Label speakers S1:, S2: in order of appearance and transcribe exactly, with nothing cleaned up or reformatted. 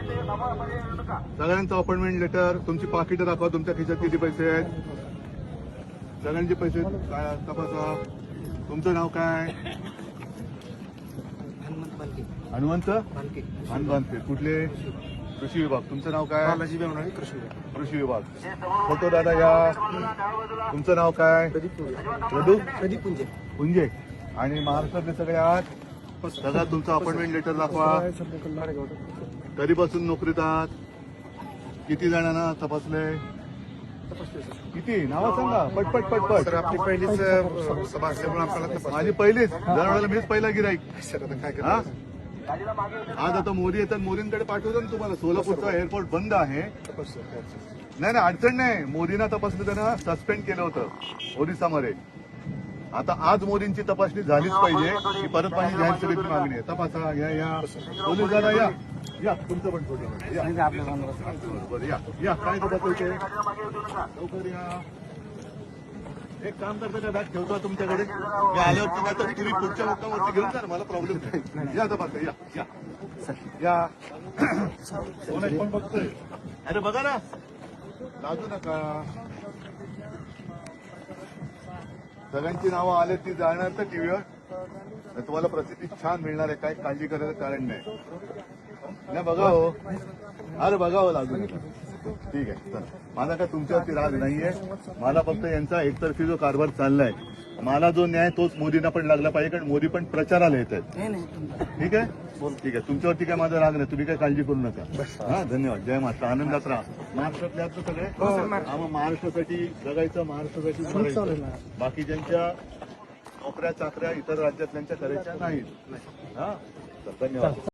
S1: सगळ्यांचं appointment letter, तुमची पाकिटं दाखवा, तुमच्या खिशात किती पैसे आहेत, सगळ्यांचे पैसे काय तपासा. तुमचं नाव काय? हनुमंत हनुमंत कुठले? कृषी विभाग. तुमचं नाव काय?
S2: बालाजी बेवणारे, कृषी विभाग.
S1: कृषी विभाग. फोटो दादा या. तुमचं नाव काय? प्रदू
S2: प्रदीप पुंजे.
S1: पुंजे. आणि महाराष्ट्रातले सगळे आहात. सगळा तुमचं अपॉइंटमेंट लेटर दाखवा. कधीपासून नोकरीत आहात? किती जणांना तपासले? किती नावं सांगा पटपट पटपट.
S2: सर आपली पहिलीच सभा असल्यामुळे आपल्याला
S1: माझी पहिलीच. दरवेळेला मीच पहिला गिराईक.
S2: सर आता काय
S1: हा?
S2: करायचं?
S1: आज आता मोदी येतात, मोदींकडे पाठवतो ना तुम्हाला. सोलापूरचा एअरपोर्ट बंद आहे. नाही नाही अडचण नाही. मोदींना तपासलं त्यांना सस्पेंड केलं होतं ओरिसामध्ये. आता आज मोदींची तपासणी झालीच पाहिजे. ही परत पाणी जाहीर सभेची मागणी आहे. तपासा. या या पोलीस दादा या या. तुमचं पण फोटो या. बरं, या या. काय तपासायचे लवकर या. एक काम करता का बॅग ठेवतो तुमच्याकडे. मी आल्यावर तुम्ही आता तुम्ही पुढच्या मुक्कामावरती घेऊन जा ना, मला प्रॉब्लेम नाही. या तपासा. या या या. कोण आहे? कोण बघतोय? अरे बघा ना, लाजू नका. सगळ्यांची नावं आले ती जाणार तर टीव्हीवर. तुम्हाला प्रसिद्धी छान मिळणार आहे. काही काळजी करायचं कारण नाही. नाही बघा हो. अरे बघा हो, लागू नका. ठीक आहे. चला, माझा काय तुमच्यावरती राग नाहीये. मला फक्त यांचा एकतर्फी जो कारभार चाललाय, मला जो न्याय तोच मोदींना पण लागला पाहिजे. कारण मोदी पण प्रचाराला येत आहेत. ठीक आहे ठीक आहे. तुमच्यावरती काय माझा राग नाही. तुम्ही काय काळजी करू नका. हा धन्यवाद. जय महाराष्ट्र. आनंदात राहा. महाराष्ट्रातले आहेत ना सगळे. आम्हाला महाराष्ट्रासाठी जगायचं, महाराष्ट्रासाठी मरायचं. बाकीच्यांच्या नोकऱ्या चाकऱ्या इतर राज्यातल्यांच्या करायच्या नाहीत. हा धन्यवाद.